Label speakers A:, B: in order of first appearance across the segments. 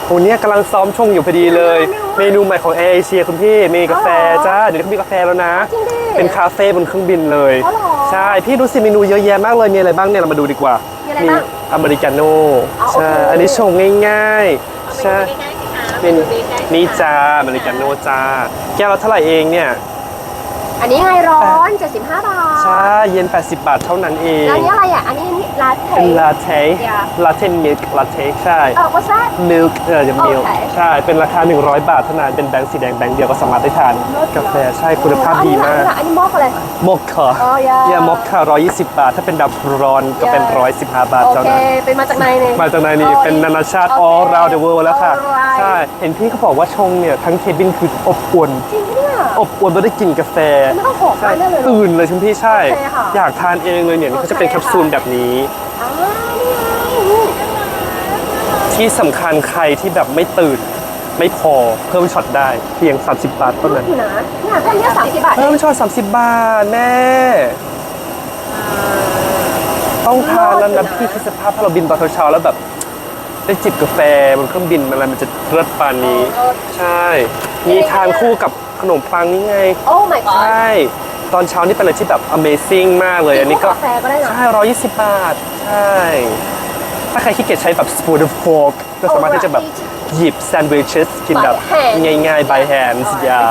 A: โอ้เนี่ยกำลังซ้อมชงอยู่พอดีเลย เมนูใหม่ของแอร์เอเชียคุณพี่มีกาแฟจ้าเดี๋ยวเขามีกาแฟแล้วนะเป็นคาเฟ่บนเครื่องบินเลยใช่พี่ดูสิเมนูเยอะแยะมากเลยมีอะไรบ้างเนี่ยเรามาดูดีกว่ามีอเมริกาโน่ใช่อันนี้ชงง่ายๆใช่เป็นนี่จ้าอเมริกาโน่จ้าแก้วละเท่าไหร่เองเนี่ย
B: อันนี้ไงร้อน75 บาท
A: ใช่เย็น80 บาทเท่านั้นเอง
B: แล้วนี้อะไรอ่ะอันนี้ลาเต้
A: เป็นลาเต้ลาเต้มิลค์ลาเต้ใช่
B: what's that
A: มิลค์จะมิลค์ใช่เป็นราคา100 บาทเท่านั้นเป็นแบงค์สีแดงแบงค์เดียวก็สามารถได้ทานกาแฟใช่คุณภาพดีมาก
B: อันนี้มอกอะไร
A: มอคค่าเนี่ยมอคค่า120 บาทถ้าเป็นแบบร้อนก็เป็น115 บาทเท่านั้น
B: โอเคเป็นมาจากไหนเนี่ย
A: มาจากไหนนี่เป็นนานาชาติ all around the world แล้วค่ะใช่เห็นพี่เขาบอกว่าชงเนี่ยทั้งเคบินคืออบอุ่น
B: จริงเนี่ย
A: อบอุ่นไม่ได้กลิ่นกาแฟ
B: ไม่ต้องหอมมากเลย
A: ตื่นเลยคุณพี่ใช่อยากทานเองเลยเนี่ยเขาจะเป็นแคปซูลแบบนี้ที่สำคัญใครที่แบบไม่ตื่นไม่พอเพิ่มช็อตได้เพียง30 บาทเท่านั้น
B: นะเนี่ยแค่นี้30 บาท
A: เพิ่มช็อต30 บาทแม่ต้องทานแล้วนะพี่คิดสภาพถ้าเราบินตอนเช้าๆแล้วแบบได้จิบกาแฟบนเครื่องบินมันจะเลิศปานนี้ใช่มีทานคู่กับขนมปังนี่ไง
B: โอ้ my god
A: ใช่ตอนเช้านี่เป็นอะไรที่แบบ Amazing มากเลยอันนี้ก็ใช่120 บาทใช่ถ้าใครขี้เกียจใช้แบบ spoon and fork ก็สามารถที่จะแบบหยิบแซนด์วิชกินแบบง่ายๆ by hands อย่า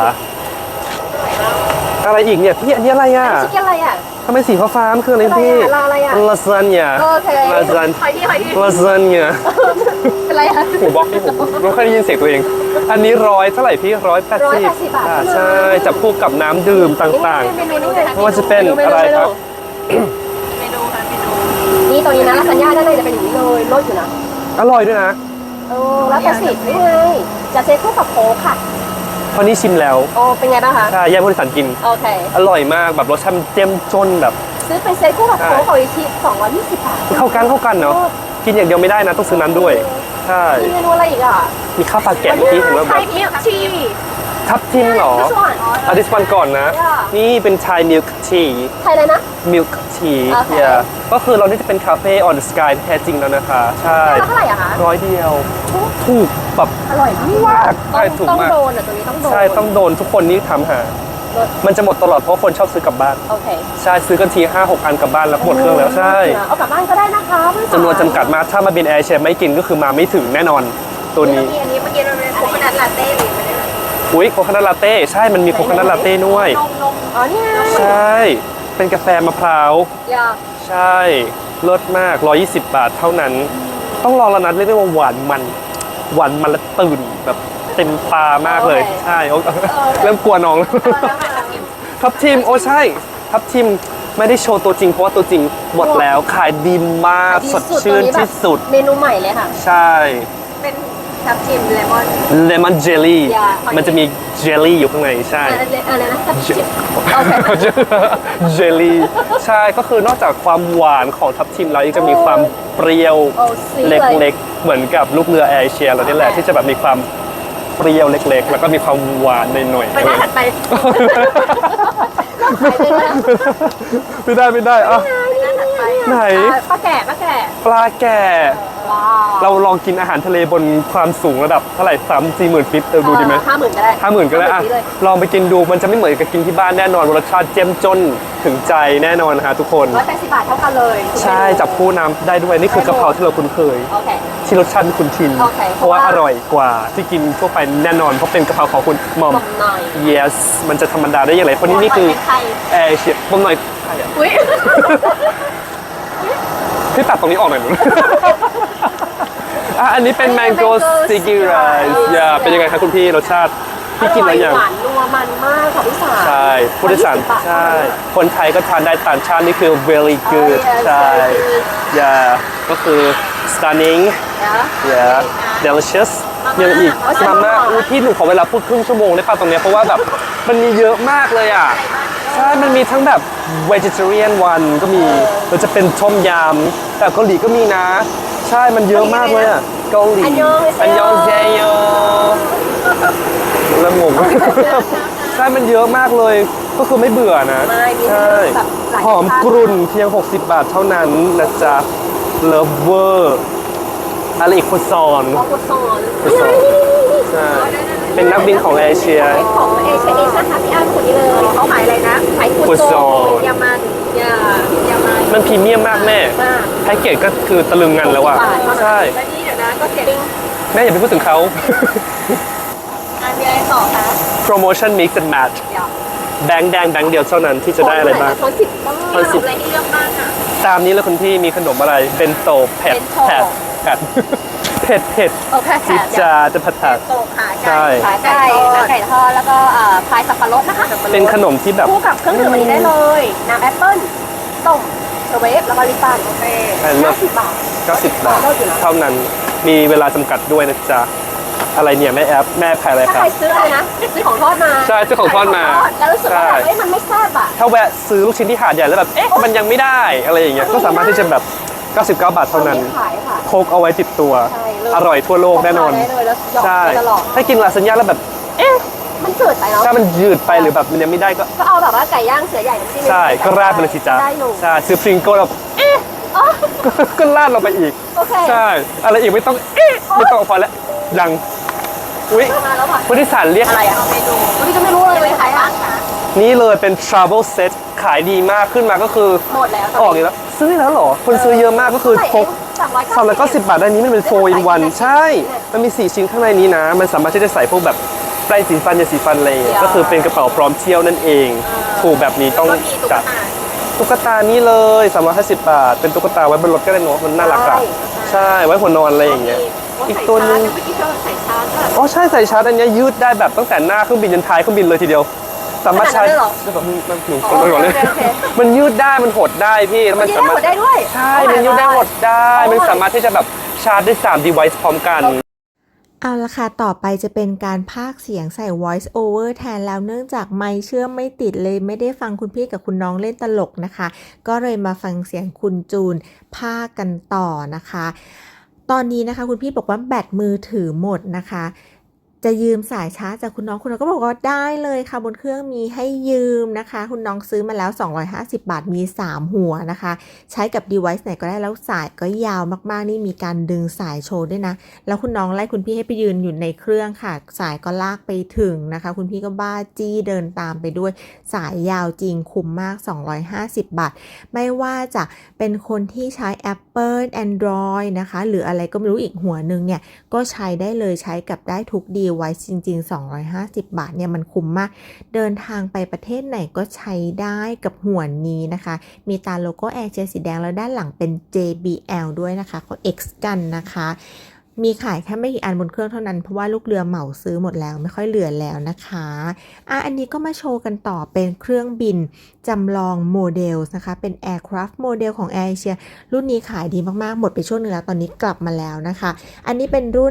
A: อะไรอีกเนี่ยพี่อันนี้อะไรอ่ะ
B: ชิคกี้อะไรอ่ะ
A: ทำไมสีฟ้าๆคืออะไรพี่ลาซานญ่าลาซานลาซานญ่า
B: เป็นไรอ่ะ
A: หูบอกพี่ผมไม่ค่อยได้ยินเสียงตัวเองอันนี้100เท่าไหร่พี่180
B: บาท
A: ใช่จับคู่กับน้ำดื่มต่างๆไม่ว่าจะเป็นอะไรครับ
B: เมนูค่ะเมนูนี่ตัวนี้นะลาซานญ่าด้านในจะเป็นอย่างนี้เลยรสอยู่นะ
A: อร่อยด้วยนะ
B: แล้วแต่สินี่ไงจะเซ็ตคู่กับโค้กค่ะ
A: พอนี้ชิมแล้ว
B: โอ้เป็นไงบ้างคะ
A: ใช่แย่ผู้โดยสารกิน
B: โอเค
A: อร่อยมากแบบรสชาติเจ้มจนแบบ
B: ซื้อเป็นเซ็ตคู่กับโค้กของอีที220 บาท
A: เข้ากันเนาะกินอย่างเดียวไม่ได้นะต้องซื้อน้ำด้วยใช่
B: มีเมนูอะไรอีกอ่ะ
A: มีข้าวปลาแกะที่เห็นว่าแบบทับทิมเหรอเอาดิสวันก่อนนะนี่เป็นไทยมิลค์ที
B: ไทยเลยนะ
A: มิลค์ทีเนี่ยก็คือเรานี่จะเป็นคาเฟ่ออนเดอะสกายแท้จริงแล้วนะคะใช่
B: เท่าไหร่อะคะ
A: 100 เดียวถูกแบบ
B: อร่อยมาก
A: ใช่ถูกมาก
B: ต้องโดนอ่ะตัวนี้ต้องโดน
A: ใช่ต้องโดนทุกคนนี่ทำหามันจะหมดตลอดเพราะคนชอบซื้อกลับบ้าน
B: โอเค
A: ใช่ซื้อกันที 5-6 อันกลับบ้านแล้วหมดเครื่องแล้วใช่
B: เอากลับบ้านก็ได้นะคะ
A: จำนวนจำกัดมาถ้ามาบินแอร์เชียไม่กินก็คือมาไม่ถึงแน่นอนตัวนี้
B: อันนี้เมื่อกี้เราเป็นโคโคนัทลาเต้หรือไม่ได้
A: อุ้ยโคโคนัทลาเต้ใช่มันมีโคโคนัทลาเต้ด้วย
B: อ๋อนี่
A: ใช่เป็นกาแฟมะพร้าวใช่เลิศมาก120 บาทเท่านั้นต้องลองแล้วนะเรียกได้ว่าหวานมันและตื่นแบบเต็มตามากเลยใช่เริ่มกลัวน้องทับทิมโอ้ใช่ทับทิมไม่ได้โชว์ตัวจริงเพราะว่าตัวจริงหมดแล้วขายดีมากสดชื่นที่สุด
B: เมนูใหม่เลยค่ะ
A: ใช่
B: เป็นทับทิมเลม
A: อนเจลลี่มันจะมีเจลลี่อยู่ข้างในใช่
B: อะไรนะทับทิม
A: เจลลี่ใช่ก็คือนอกจากความหวานของทับทิมแล้วยังจะมีความเปรี้ยวเล็กๆเหมือนกับลูกเรือแอร์เอเชียเรานี่แหละที่จะแบบมีความเปรี้ยวเล็กๆแล้วก็มีความหวานหน่อยๆ
B: ไปหน้าถัดไป
A: ไม่ได้อ่ะไหน
B: ปลาแก่
A: เราลองกินอาหารทะเลบนความสูงระดับเท่าไหร่30,000 ฟิตดูดีไหม
B: 50,000ก็ได้
A: 50,000ก็ได้อ่ะลองไปกินดูมันจะไม่เหมือนกับกินที่บ้านแน่นอนรสชาติเจ้มจนถึงใจแน่นอนฮะทุกคน
B: 180 บาทเท่ากันเลย
A: ใช่จับคู่น้ำได้ด้วยนี่คือกะเพราที่เราคุ้นเคยที่รสชาติคุ้นชินเพราะว่าอร่อยกว่าที่กินทั่วไปแน่นอนเพราะเป็นกะเพราของคุณมอม yes มันจะธรรมดาได้อย่างไรเพราะนี่คือแอร์เชียมอมหน่อยพี่ตัดตรงนี้ออกหน่อยหนูอันนี้เป็นแมงโก้สติกกี้ไรซ์เป็นยังไงคะคุณพี่รสชาติพี่กินอะไรอย่าง
B: หวานนัวมันมากค่ะพี่สาว
A: ใช่ผู้โดยสารใช่คนไทยก็ทานได้ต่างชาตินี่คือ very good ใช่ก็คือ stunning delicious ยังอีกมาม่าพี่หนูขอเวลาพูดครึ่งชั่วโมงได้ป่ะตรงนี้เพราะว่าแบบมันมีเยอะมากเลยอ่ะใช่มันมีทั้งแบบ vegetarian one ก็มีมันจะเป็นต้มยำแต่เกาหลีก็มีนะใช่มันเยอะมากเลยอ่ะเกาหลีอันยองเซโยแล้วงงใช่มันเยอะมากเลยก็คือไม่เบื่อนะใช่หอมกรุ่นเพียง60 บาทเท่านั้นนะจ๊ะ Lover อะไรอีกฟุตซอล
B: ของกุศล
A: ฟุตซอลใช่เป็นนักบินของเอเชีย
B: ของเอเชียเองนะคะพี่อ้ำคนนี้เลยเขาขายอะไรนะขายกุศลยามันยามัน
A: มันพรีเมียมมากแม่
B: มาก
A: แพ็กเกจก็คือตะลึงงันแล้วอะใช่
B: แล้วนี่เดี๋ยวนะก็เสียง
A: แม่อย่าไปพูดถึงเขา
B: อันมีอะไรต่อคะ
A: promotion mix and match
B: เดี๋ยว
A: แบงค์แดงแบงค์เดียวเท่านั้นที่จะได้อะไรบ้าง
B: ช้อนสิบบ้างช้อนสิบอะไรที่เลือกบ้างอ่ะ
A: ตามนี้เลยคุณพี่มีขนมอะไรเป็นโตเผ็ด
B: เบนโต
A: แผดเผ็ดเผ็ด
B: โอเค
A: จิ
B: ค่ะ
A: จาจะผัดผัด
B: โตขา
A: ใช่
B: ไก่ไก่ทอดแล้วก็พายสับปะรดนะคะ
A: เป็นขนมที่แบบ
B: คู่กับเครื่องดื่มอันนี้ได้เลยน้ำแอปเปิ้ลต้มเชเวฟแล้วก็ลิปตันโอเค 50 บาท
A: 90 บาทเท่านั้นมีเวลาจำกัดด้วยนะจ๊ะอะไรเนี่ยแม่แอปแม่ขายอะไร
B: ถ้า
A: ครั
B: ใค
A: บ
B: รซื้ออะไรนะซื้อของทอดมา
A: ใช่ซื้อของทอดมา
B: แล้วรู้สึกว่าแบบเฮ้ยมันไม่แซ่บอ่ะ
A: ถ้าแวะซื้อลูกชิ้นที่หาดใหญ่แล้วแบบเอ๊ะมันยังไม่ได้อะไรอย่างเงี้ยก็สามารถที่จะแบบ99 บาทเท่านั้น
B: ขายค่ะ
A: พกเอาไว้ติดตัว
B: ใช่เลย
A: อร่อยทั่วโลกแน่นอน
B: ได้เลยแล้วหยอก
A: ใช่
B: ไปตลอด
A: ถ้ากินลาซานญ่าแล้วแบบเอ๊ะ
B: มันจืดไปเนาะ
A: ถ้ามันยืดไปหรือแบบมันยังไม่ได้ก็
B: ก็เอาแบบว่าไก่ย่างเสือใหญ่น้ำจิ้ม
A: ใช่ก็ราดไปเลยสิจ๊ะ
B: ได้อยู่
A: ใช่ซื้อพริงโก้แล้วเอ๊ะ
B: อ๋อ
A: ก็ราดลงไปอีก
B: โอเค
A: ใช่อะไรอีกไม่ต้องเอ๊ะไม่ต้องพอแล้วดังอุ้ย
B: มาแล้วค่ะ
A: ผู้โดยสารเรียก
B: อะไรอ่ะเมนูพี่ก็ไม่รู้เลยขายบ้างคะ
A: นี่เลยเป็น travel set ขายดีมากขึ้นมาก็คือ
B: หมดแล้ว
A: ออกอีกแล้วซื้อแล้วเหรอคนซื้อเยอะมากก็คือพก 390 บาทได้นี้มันเป็น4 in 1ใช่ มันมี 4 ชิ้นข้างในนี้นะ มันสามารถที่จะใส่พวกแบบแปรงสีฟันยาสีฟันอะไรอย่างเงี้ยก็คือเป็นกระเป๋าพร้อมเที่ยวนั่นเองถูกแบบนี้ต้อง
B: ก็มีตุ๊ก
A: จัด
B: ตา
A: ตุ๊กตานี้เลย350 บาท เป็นตุ๊กตาไว้บนรถก็ได้เนอะมันน่ารักอ่ะใช่ไว้หัวนอนอะไรอย่างเงี้ยอีกตัวนึง
B: เมื่อกี้เธอใส่ชาร์จก็
A: อ๋อใช่ใส่ชาร์จอันเนี้ยยืดได้แบบตั้งแต่หน้าเครื่องบินจนท้ายเครื่องบินเลยทีเดียว สามารถใช้
B: ขนาดนั้นเลยเหรอ
A: แบบมันหนู
B: อ๋อ
A: ก่อนเลย
B: โอเค
A: มันยืดได้มันหดได้พี่แล้วมันสามารถ
B: ยืดได้หดได้ด้วย
A: ใช่มันยืดได้หดได้ มันสามารถที่จะแบบชาร์จได้3 device พร้อมกัน
C: เอาละค่ะต่อไปจะเป็นการพากย์เสียงใส่ voice over แทนแล้วเนื่องจากไมค์เชื่อมไม่ติดเลยไม่ได้ฟังคุณพี่กับคุณน้องเล่นตลกนะคะ ก็เลยมาฟังเสียงคุณจูนพากย์กันต่อนะคะ ตอนนี้นะคะคุณพี่บอกว่าแบตมือถือหมดนะคะ จะยืมสายชาร์จจากคุณน้องก็บอกว่าได้เลยค่ะบนเครื่องมีให้ยืมนะคะคุณน้องซื้อมาแล้ว250 บาทมี3หัวนะคะใช้กับ device ไหนก็ได้แล้วสายก็ยาวมากๆนี่มีการดึงสายโชว์ด้วยนะแล้วคุณน้องไล่คุณพี่ให้ไปยืนอยู่ในเครื่องค่ะสายก็ลากไปถึงนะคะคุณพี่ก็บ้าจี้เดินตามไปด้วยสายยาวจริงคุ้มมาก250 บาทไม่ว่าจะเป็นคนที่ใช้ Apple Android นะคะหรืออะไรก็ไม่รู้อีกหัวนึงเนี่ยก็ใช้ได้เลยใช้กับได้ทุกไว้จริงๆ250 บาทเนี่ยมันคุ้มมากเดินทางไปประเทศไหนก็ใช้ได้กับหัวนี้นะคะมีตาโลโก้แอร์เชียสีแดงแล้วด้านหลังเป็น JBL ด้วยนะคะเขา X กันนะคะมีขายแค่ไม่กี่อันบนเครื่องเท่านั้นเพราะว่าลูกเรือเหมาซื้อหมดแล้วไม่ค่อยเหลือแล้วนะคะอันนี้ก็มาโชว์กันต่อเป็นเครื่องบินจำลองโมเดลนะคะเป็น Aircraft โมเดลของ Air Asia รุ่นนี้ขายดีมากๆหมดไปช่วงนึงแล้วตอนนี้กลับมาแล้วนะคะอันนี้เป็นรุ่น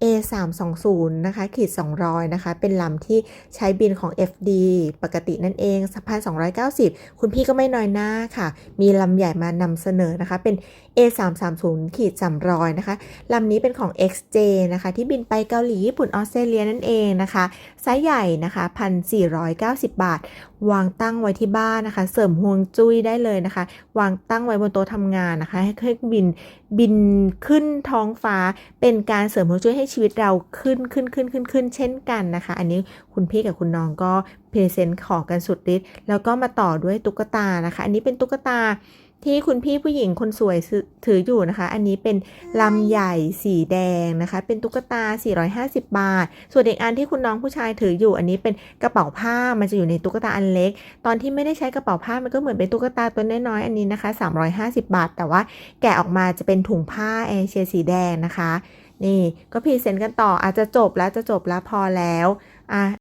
C: A320 นะคะขีด200นะคะเป็นลำที่ใช้บินของ FD ปกตินั่นเอง1,290คุณพี่ก็ไม่น้อยหน้าค่ะมีลำใหญ่มานำเสนอนะคะเป็น A330 ขีด300นะคะลำนี้เป็นของ XJ นะคะที่บินไปเกาหลีญี่ปุ่นออสเตรเลียนั่นเองนะคะไซส์ใหญ่นะคะ 1,490 บาทวางตั้งไว้ที่บ้านนะคะเสริมฮวงจุ้ยได้เลยนะคะวางตั้งไว้บนโต๊ะทำงานนะคะให้เครื่องบินขึ้นท้องฟ้าเป็นการเสริมฮวงจุ้ยให้ชีวิตเราขึ้นเช่นกันนะคะอันนี้คุณพี่กับคุณน้องก็พรีเซนต์ขอกันสุดฤทธิ์แล้วก็มาต่อด้วยตุ๊กตานะคะอันนี้เป็นตุ๊กตาที่คุณพี่ผู้หญิงคนสวยถืออยู่นะคะอันนี้เป็นลำใหญ่สีแดงนะคะเป็นตุ๊กตา450 บาทส่วนอีกอันที่คุณน้องผู้ชายถืออยู่อันนี้เป็นกระเป๋าผ้ามันจะอยู่ในตุ๊กตาอันเล็กตอนที่ไม่ได้ใช้กระเป๋าผ้ามันก็เหมือนเป็นตุ๊กตาตัวน้อยๆอันนี้นะคะ350 บาทแต่ว่าแกะออกมาจะเป็นถุงผ้าเอเชียสีแดงนะคะนี่ก็พรีเซนต์กันต่ออาจจะจบแล้วพอแล้ว